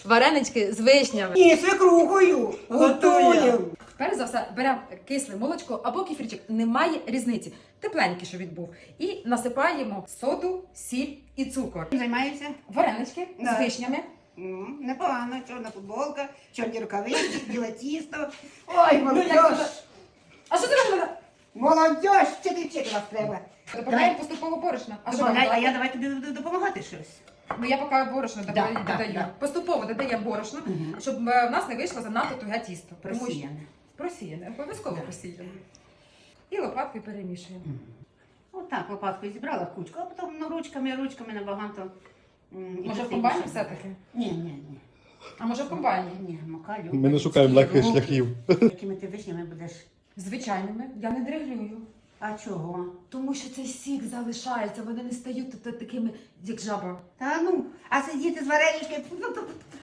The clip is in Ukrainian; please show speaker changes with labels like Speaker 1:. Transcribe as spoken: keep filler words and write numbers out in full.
Speaker 1: варенички з вишнями.
Speaker 2: І свекрухою готуємо.
Speaker 1: Перш за все, беремо кисле молочко або кефірчик, немає різниці. Тепленький, що він був. І насипаємо соду, сіль і цукор.
Speaker 2: Чим займаєшся?
Speaker 1: Варенички
Speaker 2: Да.
Speaker 1: з вишнями.
Speaker 2: М, Непогано, чорна футболка, чорні рукавиці, біле тісто. Ой,
Speaker 1: Ну,
Speaker 2: молодь!
Speaker 1: А що ти робила?
Speaker 2: Молодь, вчити вчити вас треба.
Speaker 1: Додаємо поступово борошна. А що нам
Speaker 2: Добавляй, а
Speaker 1: додати?
Speaker 2: я давай тобі буду допомагати щось.
Speaker 1: Ну я поки борошно
Speaker 2: Да,
Speaker 1: додаю.
Speaker 2: да,
Speaker 1: додаю.
Speaker 2: да.
Speaker 1: Поступово додаємо борошно,
Speaker 2: Мгм.
Speaker 1: щоб е, в нас не вийшло занадто туге тісто. Тому що-
Speaker 2: Просіяне.
Speaker 1: Просіяне, обов'язково просіяне. І лопаткою перемішуємо.
Speaker 2: Отак лопаткою зібрала в кучку, а потім ну, ручками, ручками набагато. м, і
Speaker 1: Може в
Speaker 2: красивіше
Speaker 1: комбайні
Speaker 2: буде.
Speaker 1: все-таки?
Speaker 2: Ні, ні, ні.
Speaker 1: А може в комбайні?
Speaker 2: Ні, мука, любить.
Speaker 3: Ми не шукаємо легких
Speaker 2: руки.
Speaker 3: шляхів.
Speaker 2: Якими ти вишнями будеш?
Speaker 1: Звичайними. Я не дриглюю.
Speaker 2: А чого?
Speaker 1: Тому що цей сік залишається, вони не стають та- такими, як жаба.
Speaker 2: Та ну, а сидіти з вареничкою,